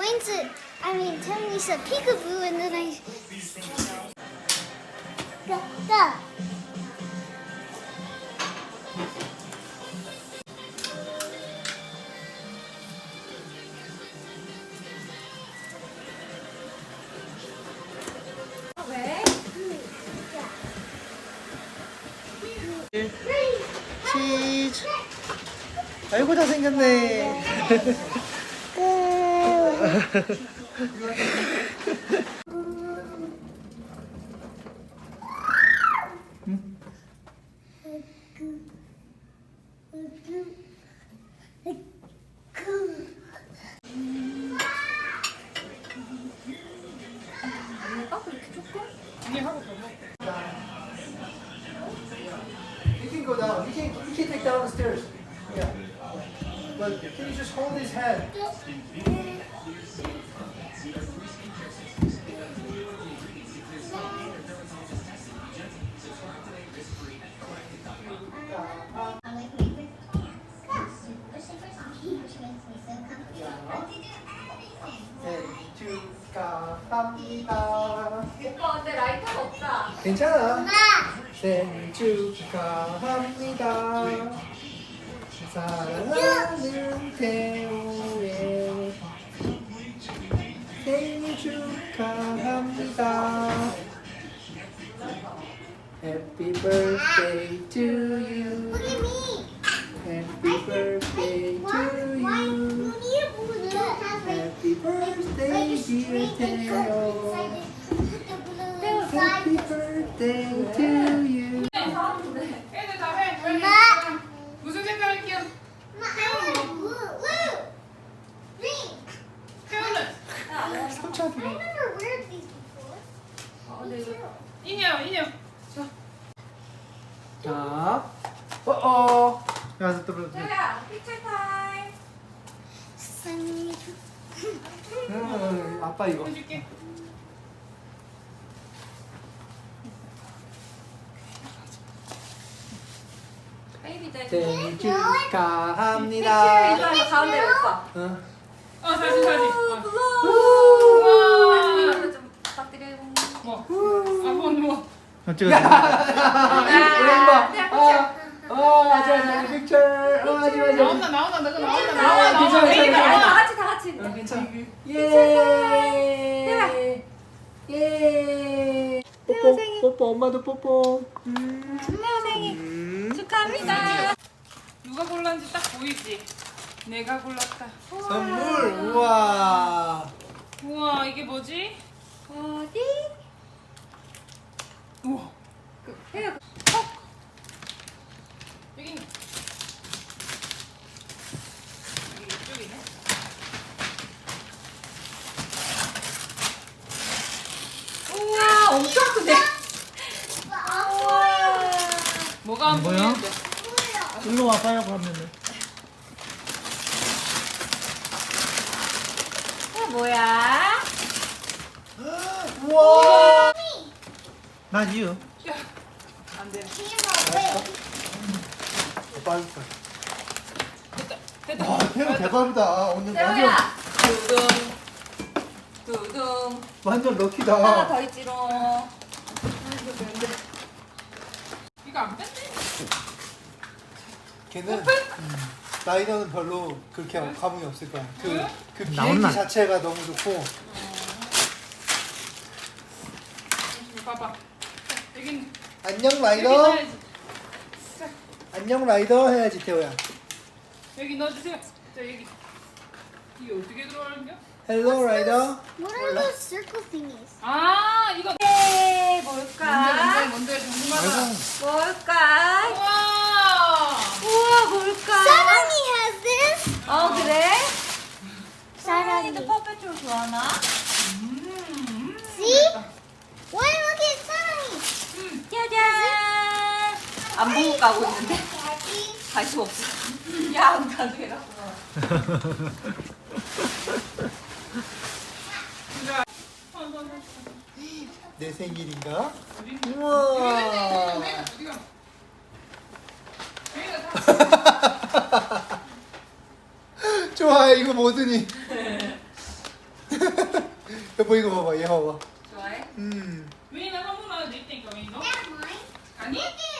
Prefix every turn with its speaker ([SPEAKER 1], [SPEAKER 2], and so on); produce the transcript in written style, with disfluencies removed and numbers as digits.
[SPEAKER 1] Mine's a, I mean, Tony's a peekaboo, and then I. Go.
[SPEAKER 2] 왜?
[SPEAKER 3] 치즈. 아이고 잘생겼네. You can go down. You can take down the stairs. Yeah. But can you just hold his hand? 생일 축하합니다.
[SPEAKER 2] 오빠 근데 라이터가 없다.
[SPEAKER 3] 괜찮아. 생일 축하합니다. 사랑하는 태호의 생일 축하합니다. Happy birthday to you.
[SPEAKER 1] Look at me.
[SPEAKER 3] Happy birthday to
[SPEAKER 1] Why
[SPEAKER 3] you.
[SPEAKER 1] you need a balloon that has
[SPEAKER 3] Happy birthday, dear Theo. Happy birthday to you.
[SPEAKER 4] 애들 다 해.
[SPEAKER 1] 엄마.
[SPEAKER 4] 무슨 색깔 할게요? 태우는
[SPEAKER 3] 삼촌.
[SPEAKER 4] 인형.
[SPEAKER 3] 자, 어어. 야, 또 그래.
[SPEAKER 2] 태우야, 피처 타임.
[SPEAKER 3] 아빠 이거.
[SPEAKER 4] 해줄게.
[SPEAKER 2] 베이비 대.
[SPEAKER 3] 생일
[SPEAKER 2] 피처
[SPEAKER 3] 축하합니다.
[SPEAKER 2] 일로 와서 가운데 오빠.
[SPEAKER 3] 응.
[SPEAKER 4] 사진.
[SPEAKER 2] 우와. 좀 부탁드려요.
[SPEAKER 4] 뭐? 뭐?
[SPEAKER 3] 찍어.
[SPEAKER 2] 야,
[SPEAKER 3] 맞아, 픽처. 맞아.
[SPEAKER 4] 나온다. 너가
[SPEAKER 3] 괜찮아,
[SPEAKER 4] 나온다.
[SPEAKER 3] 괜찮아.
[SPEAKER 2] 다 같이.
[SPEAKER 3] 괜찮아. 예. 예. 뽀뽀, 엄마도 뽀뽀.
[SPEAKER 2] 태우 생일 축하합니다.
[SPEAKER 4] 누가 골랐는지 딱 보이지? 내가 골랐다.
[SPEAKER 3] 선물, 우와.
[SPEAKER 4] 우와, 이게 뭐지?
[SPEAKER 2] 어디?
[SPEAKER 4] 우와.
[SPEAKER 2] 태우.
[SPEAKER 4] 여기 있네. 여기 이쪽이네.
[SPEAKER 2] 우와, 엄청 크네. 우와.
[SPEAKER 4] 뭐가 안
[SPEAKER 3] 뭐야?
[SPEAKER 4] 보이는데?
[SPEAKER 3] 일로 와봐요, 그러면은.
[SPEAKER 2] 이거 뭐야?
[SPEAKER 3] 우와. 난 이유.
[SPEAKER 4] 안 돼. 됐다.
[SPEAKER 3] 와, 태우 대박이다. 오늘
[SPEAKER 2] 태우야. 두둥.
[SPEAKER 3] 완전
[SPEAKER 2] 하나
[SPEAKER 3] 럭키다.
[SPEAKER 2] 더 있지롱.
[SPEAKER 4] 이거 안 뺐네?
[SPEAKER 3] 걔는 라이너는 별로 그렇게 감흥이 없을 거야.
[SPEAKER 4] 왜?
[SPEAKER 3] 그 비행기 자체가 너무 좋고.
[SPEAKER 4] 봐봐. 여기
[SPEAKER 3] 안녕
[SPEAKER 4] 여기
[SPEAKER 3] 라이더.
[SPEAKER 4] 넣어야지. 자,
[SPEAKER 3] 안녕 라이더 해야지 태호야.
[SPEAKER 4] 여기 넣어주세요. 자, 여기. 이게 어떻게 들어가는겨?
[SPEAKER 3] 헬로 라이더.
[SPEAKER 1] What are those circle thingies?
[SPEAKER 4] 아, 이거.
[SPEAKER 2] 네, 뭘까?
[SPEAKER 4] 뭔데? 궁금하다.
[SPEAKER 2] 뭘까?
[SPEAKER 4] 우와.
[SPEAKER 2] 우와, 뭘까?
[SPEAKER 1] Sarani has this.
[SPEAKER 2] 그래?
[SPEAKER 1] 사랑이.
[SPEAKER 2] 사랑이도 퍼페트를 좋아하나?
[SPEAKER 1] See? Why look at Sarani?
[SPEAKER 2] 짜잔! 안 보고 가고 있는데 관심 없어. 야, 안 가도 해갖고.
[SPEAKER 3] 내 생일인가?
[SPEAKER 4] 어디?
[SPEAKER 3] 우와.
[SPEAKER 4] 어디가?
[SPEAKER 3] 좋아 이거 뭐더니. 여보 이거 봐봐 얘 봐봐.
[SPEAKER 2] 좋아해?
[SPEAKER 4] 윈이나 선물 하나 낼 테니까 윈 너?
[SPEAKER 1] That's mine.
[SPEAKER 4] 아니?